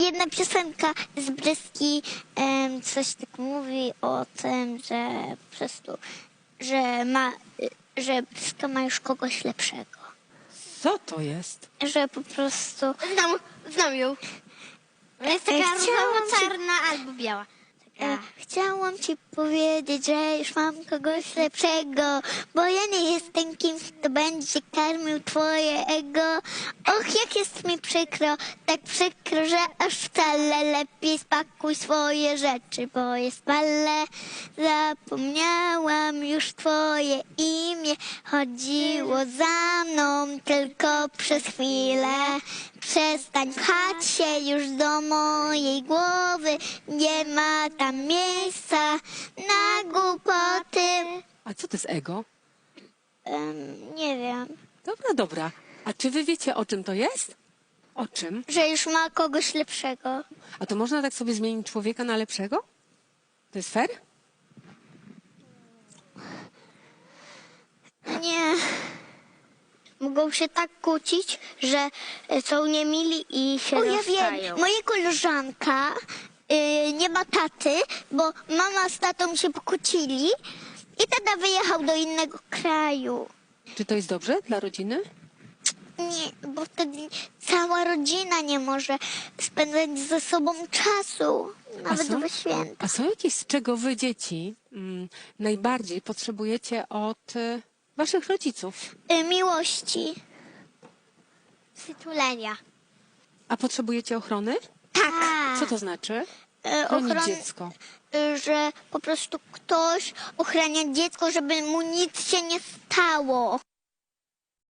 Jedna piosenka z Bryski coś tak mówi o tym, że po prostu, że Bryska ma już kogoś lepszego. Co to jest? Że po prostu... Znam ją. Jest taka różowo-czarna albo biała. Chciałam ci powiedzieć, że już mam kogoś lepszego, bo ja nie jestem kimś, kto będzie karmił twoje ego. Och, jak jest mi przykro, tak przykro, że aż wcale lepiej spakuj swoje rzeczy, bo jest pale. Zapomniałam już twoje imię, chodziło za mną tylko przez chwilę. Przestań pchać się już do mojej głowy, nie ma tam miejsca na głupoty. A co to jest ego? Nie wiem, Dobra. A czy wy wiecie, o czym to jest? O czym? że już ma kogoś lepszego. A to można tak sobie zmienić człowieka na lepszego? To jest fair? Nie, Mogą się tak kłócić, że są niemili i się o ja rozstają. wiem, moja koleżanka nie ma taty, bo mama z tatą się pokłócili i tata wyjechał do innego kraju. Czy to jest dobrze dla rodziny? Nie, bo wtedy cała rodzina nie może spędzać ze sobą czasu, nawet we święta. A są jakieś, z czego wy, dzieci, najbardziej potrzebujecie od waszych rodziców? Miłości. Przytulenia. A potrzebujecie ochrony? Tak. Co to znaczy? Chronić Ochron- dziecko. Że po prostu ktoś ochrania dziecko, żeby mu nic się nie stało.